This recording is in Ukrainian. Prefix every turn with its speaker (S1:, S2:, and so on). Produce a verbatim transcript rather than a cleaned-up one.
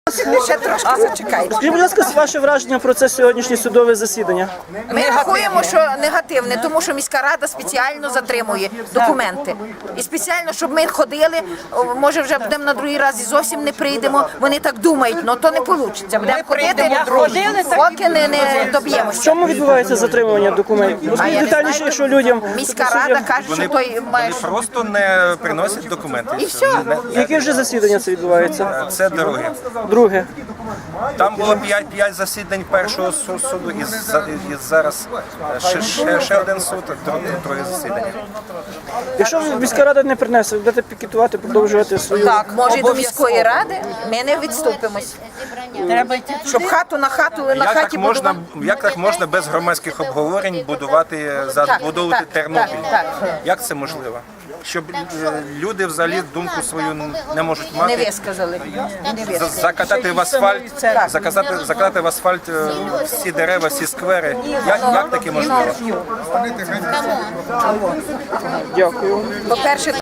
S1: Ще трошки зачекайте.
S2: Скажіть, будь ласка, ваше враження про це сьогоднішнє судове засідання?
S1: Ми рахуємо, що негативне, тому що міська рада спеціально затримує документи. І спеціально, щоб ми ходили, о, може вже будемо на другий раз і зовсім не прийдемо. Вони так думають, але то не вийде. Будемо ходити, поки не, не
S2: В
S1: доб'ємося.
S2: чому відбувається затримування документів? Розкажіть
S1: я не
S2: детальніше,
S1: знаю.
S2: якщо людям...
S1: Міська
S2: тобто,
S1: рада
S2: суддям-
S1: каже, що той має...
S3: Вони просто не приносять документи.
S1: І все.
S3: Не-
S2: Яке вже засідання це відбувається?
S3: Це друге.
S2: Друге.
S3: Там було п'ять засідань першого су- суду, і, за- і зараз ще, ще, ще один суд, друге, друге засідання.
S2: Якщо міська рада не принесе, ви будете пікетувати, продовжувати свою...
S1: Так, може, і до міської ради ми не відступимось. Щоб хату на хату, на
S3: Як так,
S1: хаті
S3: можна,
S1: будувати.
S3: як так можна без громадських обговорень будувати, забудовувати
S1: так,
S3: Тернопіль?
S1: так, так.
S3: Як це можливо? Щоб е, люди взагалі думку свою не можуть
S1: Не
S3: мати,
S1: висказали. Не
S3: за-
S1: висказали.
S3: закатати в асфальт, заказати, закатати в асфальт е, всі дерева, всі сквери. Як, як таке можливо?
S2: Дякую.
S1: По-перше,